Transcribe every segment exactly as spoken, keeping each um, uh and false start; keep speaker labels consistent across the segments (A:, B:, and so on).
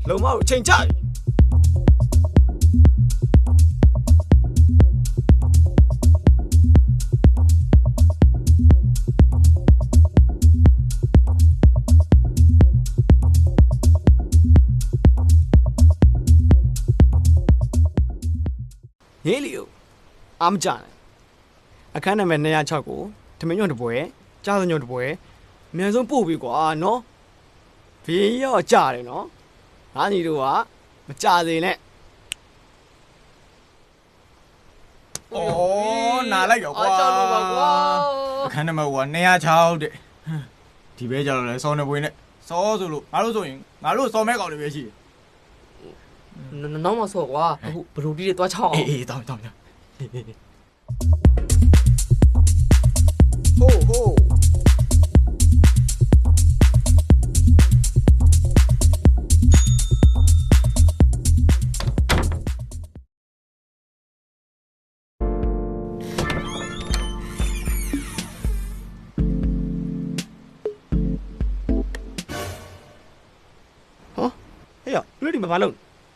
A: လုံမကိုအချိန်ကြပြီဟေးလီယိုအားမကြနဲ့အခန်းနံပါတ်two oh sixကိုထမင်းညွန့်တစ်ပွဲကြားစညွန့်တစ်ပွဲအများဆုံးပို့ပြီကွာနော်ဘေးရောကြတယ်နော်ငါညီတို့ကမကြစေနဲ့
B: ဩနားလိုက်ရောကွာ
C: အားကြောက်လို့ပါကွာ
B: အခန်းနံပါတ်two oh sixတဲ့ဒီပဲကြတော့လဲစောနေပွေးနဲ့စောဆိုလို့ငါတို့ဆိုရင်ငါတို့စောမဲကောင်တွေပဲရှိတယ်
C: နောက်မှဆော့ကွာအခုဘလူးတီးတွေသွားချောင်းအောင်
B: အေးအေးတောင်းတောင်းတောင်း
A: ဟိုးဟိုးဟေးရလူတွေမပါလို့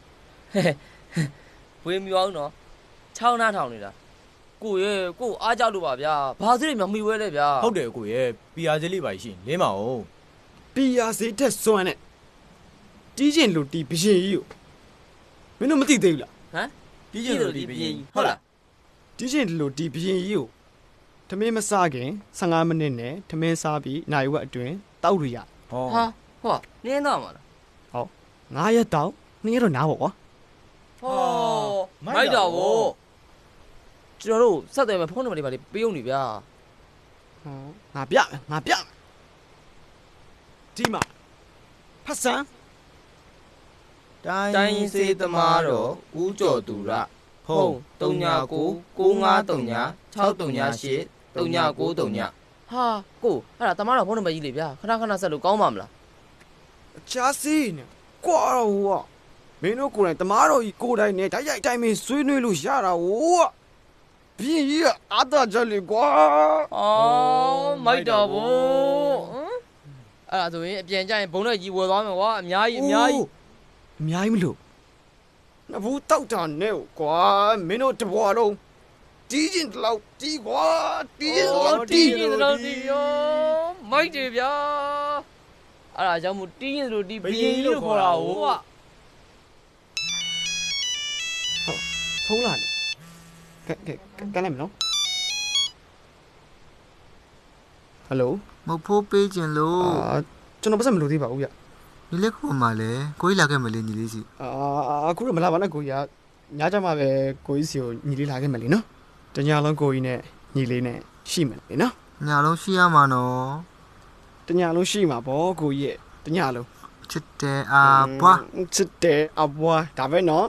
C: ဝေးမြောင်းနော်ချောင်းနားထောင်နေတာကိုရဲ့ကိုအားကြောက်လို့ပါဗျာဘာစရိမမှီဝဲလဲဗျာ
B: ဟုတ်တယ်ကိုရဲ့ပီယာစလေးပါရှိလင်းမအောင်
A: ပီယာစေးတက်စွမ်းနဲ့တီးကျင်လူတီးဘရင်ကြီးကိုမင်းတို့မသိသေးဘူးလား
C: ဟမ်
B: တီးကျင်လူတီးဘရင်ဟုတ်လား
A: တီးကျင်လူတီးဘရင်ကြီးကိုထမင်းမစားခင်fifteenမိနစ်နဲ့ထမင်းစားပြီးနိုင်ဝက်အတွင်းတောက်ရရ
C: ဟောဟာဟောနင်းတော့မှာလား
A: ဟောnineရက်တောက်twoရက်တော့နားပေါ့ကွာ
C: ဟောမိုက်တာဗောကျွန်တော်တို့ဆက်တယ်မယ်ဖုန်းနံပါတ်တွေပါလေပေးအောင်နေဗျာ
A: ဟောငါပြငါပြဒီမှာဖတ်စမ်း
C: တိုင်းစေးသမားတော်ဦးကျော်သူရဖုန်းthree nine nine nine five three nine six three nine eight three nine nine threeဟာကိုအဲ့ဒါတမားတော်ဖုန်းနံပါတ်ကြီးလေဗျာခဏခဏဆက်လို့ကောင်းပါမလား
A: ချာစီနဲ့ကွာတော့မင်းတို့ကိုယ်တိုင်တမားတော်ကြီးကိုယ်တိုင်နဲ့ဓာတ်ရိုက်တိုင်းမင်းဆွေးနွေးလို့ရတာဟိုဘင်းကြီးကအာသာကြလေကွာ
C: အော်မိုက်တော်ဘောအဲ့ဒါဆိုရင်အပြန်ကြရင်ဘုံနဲ့ကြီးဝယ်သွားမယ်ကွာအများကြီးအများကြီး
A: အများကြီးမလို့နဘူးတောက်တာနဲ့ကွာမင်းတို့တဘွားလုံးတီးကျင်တလောက်တီးကွာတီးကျင်တလောက်တီး
C: ကျင်တလောက်တီးရောမိုက်တယ်ဗျာအဲ့ဒါကြောင့်မို့တီးရင်တို့တီးဘင်းကြီးလို့ခေါ်တာဟုတ်ကွာ
A: ဖုန်းလာနေကဲကဲကဲလိုက်မနော်ဟယ်လို
D: မဖို့ပေးခြင်းလို့
A: အာကျွန်တော်ပတ်စံမလို့သေးပါဘူးဗျ
D: ညီလေးခုမှလည်းကိုကြီးလာခဲ့မလေးညီလေးစီ
A: အာအခုတော့မလာပါနဲ့ကိုကြီးကညကြမှာပဲကိုကြီးစီကိုညီလေးလာခဲ့မယ်လीနော်တညလုံးကိုကြီးနဲ့ညီလေးနဲ့ရှိမယ်လीနော်
D: ညလုံးရှိရမှာနော်
A: တညလုံးရှိမှာပေါ့ကိုကြီးရဲ့တညလုံး
D: ချစ်တယ်အာဘွား
A: ချစ်တယ်အဘွားဒါပဲနော်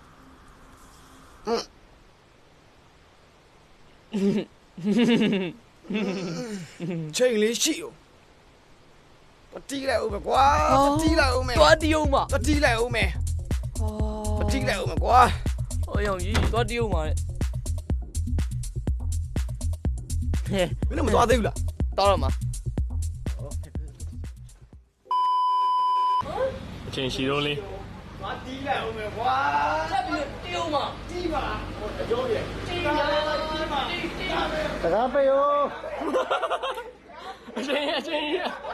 A: ချိန်လေးရှိဦးပတိလိုက်ဦးမယ်ကွာပတိလိုက်ဦးမယ်
C: သွားတီးအောင်ပါ
A: ပတိလိုက်ဦးမယ်ပတိလိုက်ဦးမယ်ကွာ
C: ဟောရောင်ကြီးသွားတီးအောင်ပါလေ
A: ဟဲ့မင်းတို့မသွားသေးဘူးလား
C: တောက်တော့မှာ
E: အချိန်ရှိတော့လေး
A: သွားတီးလိုက်ဦးမယ်ကွာ
C: ဆက်ပြီးတီးအောင်ပါ
A: တီးပါဟိုအကျိုးရဲ့
C: တီးပါတီးပါတီးတီး
A: တကားပေးရော
E: အချိန်အချိန်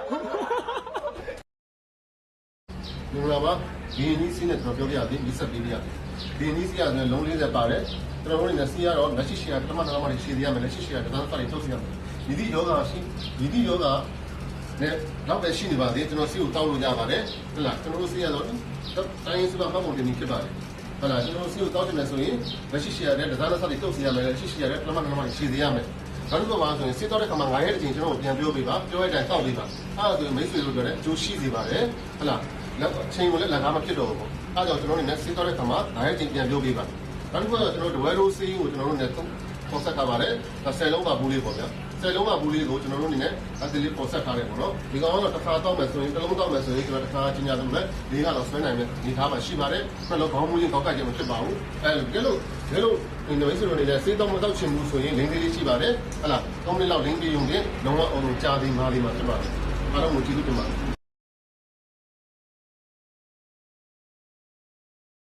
F: လူလာပါဒီနည်းစီးနဲ့ကျွန်တော်ပြောပြရသည်ဒီဆက်ပေးပြရသည်ဒီနည်းစီးရတယ်လုံးfortyပါတယ်ကျွန်တော်တို့လည်းစီးရတော့လက်ရှိရှိရပထမနာမတွေရှည်သေးရမယ်လက်ရှိရှိရတန်းစားတွေထုတ်စီရမယ်ဒီဒီယောဂရှိဒီဒီယောဂနဲ့နောက်ပဲရှိနေပါသေးကျွန်တော်စီးကိုတောင်းလို့ရပါတယ်ဟုတ်လားကျွန်တော်တို့စီးရတော့တိုင်းရင်းစုကမှတ်ဖို့တင်နေဖြစ်ပါတယ်ဟုတ်လားကျွန်တော်တို့စီးကိုတောင်းတယ်ဆိုရင်လက်ရှိရှိရတဲ့တန်းစားတွေထုတ်စီရမယ်လက်ရှိရှိရတဲ့ပထမနာမတွေရှည်သေးရမယ်နောက်တစ်ခုပါဆိုရင်စစ်တော့တဲ့ခါမှာငါရဲ့အချိန်ကျွန်တော်ပြန်ပြောပေးပါပြောရတဲ့အတိုင်းတောက်ပေးပါအဲ့ဒါဆိုရင်မိတ်ဆွေတို့ပြောတဲ့အကျိုးရှိစေပါတယ်ဟုတ်လားလက်ချိန်ကိုလည်းလက်ကားမဖြစ်တော့ဘူးအဲ့ဒါကြောင့်ကျွန်တော်တို့လည်းစစ်တော့တဲ့ခါမှာငါရဲ့အချိန်ပြန်ပြောပေးပါနောက်တစ်ခုကကျွန်တော်တို့ဒဝဲရိုးစေးကိုကျွန်တော်တို့လည်းပေါ်ဆက်ထားပါတယ်ဆယ်လုံးပါဘူးလေးပေါ့ဗျာဆယ်လုံးပါဘူးလေးကိုကျွန်တော်တို့အနေနဲ့အသေးလေးပေါ်ဆက်ထားတယ်ပေါ့နော်ဒီကောင်ကတော့တစ်ခါတောက်မယ်ဆိုရင်တစ်လုံးတောက်မယ်ဆိုရင်ကျွန်တော်တစ်ခါချင်းညာလို့လည်းလေးကတော့ဆွဲနိုင်မယ်ဒီထားမှာရှိပါတယ်နှလုံးခေါင်းမူးရင်ကောက်ကကြမဖြစ်ပါဘူးအဲဒါကြလို့ကြလို့ဒီလိုဆိုတော့လည်းစေးတော့မတောက်ချင်ဘူးဆိုရင်လင်းလေးလေးရှိပါတယ်ဟဲ့လားသုံးမိနစ်လောက်လင်းပြေးုံနဲ့လုံးဝအောင်ကြာသေးမာလေးမှာဖြစ်ပါတယ်အားလုံးကိုကျေးဇူးတင်ပါတယ်